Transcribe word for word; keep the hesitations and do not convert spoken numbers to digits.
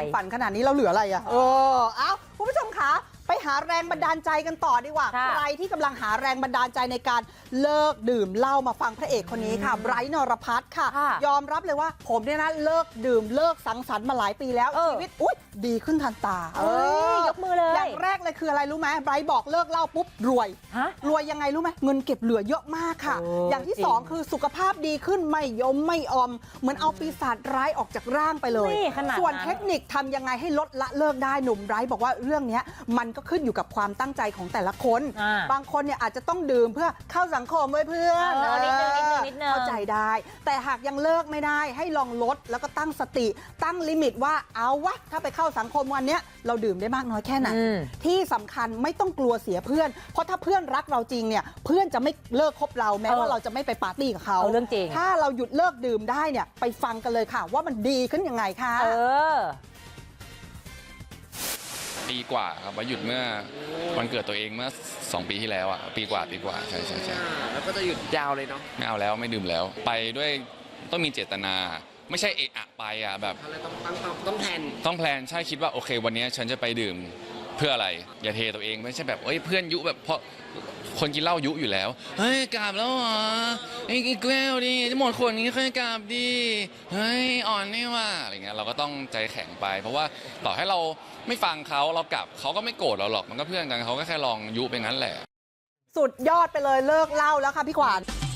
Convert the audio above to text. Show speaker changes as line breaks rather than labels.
ฝันขนาดนี้เราเหลืออะไรอ่ะเออเอ้าคุณผู้ชมคะไปหาแรงบันดาลใจกันต่อดีกว่าใครที่กำลังหาแรงบันดาลใจในการเลิกดื่มเหล้ามาฟังพระเอกคนนี้ค่ะไบรท์นรพัฒน์ค่ะยอมรับเลยว่าผมเนี่ยนะเลิกดื่มเลิกสังสรรค์มาหลายปีแล้วชีวิตอุ๊ยดีขึ้นทันตาเออย
กมือเลย
อย่างแรกเลยคืออะไรรู้ไหมไบรท์บอกเลิกเหล้าปุ๊บรวยรวยยังไงรู้ไหมเงินเก็บเหลือเยอะมากค่ะอย่างที่สองคือสุขภาพดีขึ้นไม่ยมไม่อมเหมือนเอาปีศาจร้ายออกจากร่างไปเลยส่วนเทคนิคทำยังไงให้ลดละเลิกได้หนุ่มไบรท์บอกว่าเรื่องนี้มันก็ขึ้นอยู่กับความตั้งใจของแต่ละคนบางคนเนี่ยอาจจะต้องดื่มเพื่อเข้าสังคมไว้เพื่อนเข้าใจได้แต่หากยังเลิกไม่ได้ให้ลองลดแล้วก็ตั้งสติตั้งลิมิตว่าเอาวะถ้าไปเข้าสังคมวันนี้เราดื่มได้มากน้อยแค่ไหนที่สำคัญไม่ต้องกลัวเสียเพื่อนเพราะถ้าเพื่อนรักเราจริงเนี่ยเพื่อนจะไม่เลิกคบเราแม้ว่าเราจะไม่ไปปาร์ตี้กับเขา
เรื่องจริง
ถ้าเราหยุดเลิกดื่มได้เนี่ยไปฟังกันเลยค่ะว่ามันดีขึ้นยังไงค่ะ
เออ
ปีกว่าครับว่าหยุดเมื่อวันเกิดตัวเองเมื่อสองปีที่แล้วอ่ะปีกว่าปีกว่าใช่ใช่ใช่
แล้วก็จะหยุดยาวเลยเนาะ
ไม่เอาแล้วไม่ดื่มแล้วไปด้วยต้องมีเจตนาไม่ใช่เอะอะไปอ่ะแบบ
ต้องต้องต้องแพลน
ต้องแพลนใช่คิดว่าโอเควันนี้ฉันจะไปดื่มเพื่ออะไรอย่าเทตัวเองไม่ใช่แบบเอ้ยเพื่อนยุแบบเพราะคนกินเหล้ายุอยู่แล้วเฮ้ยกราบแล้วเหรอไอ้แก้วดิหมดคนนี้ค่อยกราบดิเฮ้ยอ่อนนี่ว่าอะไรเงี้ยเราก็ต้องใจแข็งไปเพราะว่าต่อให้เราไม่ฟังเขาเรากลับเขาก็ไม่โกรธเราหรอกมันก็เพื่อนกันเขาก็แค่ลองยุไปงั้นแหละ
สุดยอดไปเลยเลิกเหล้าแล้วค่ะพี่ขวัญ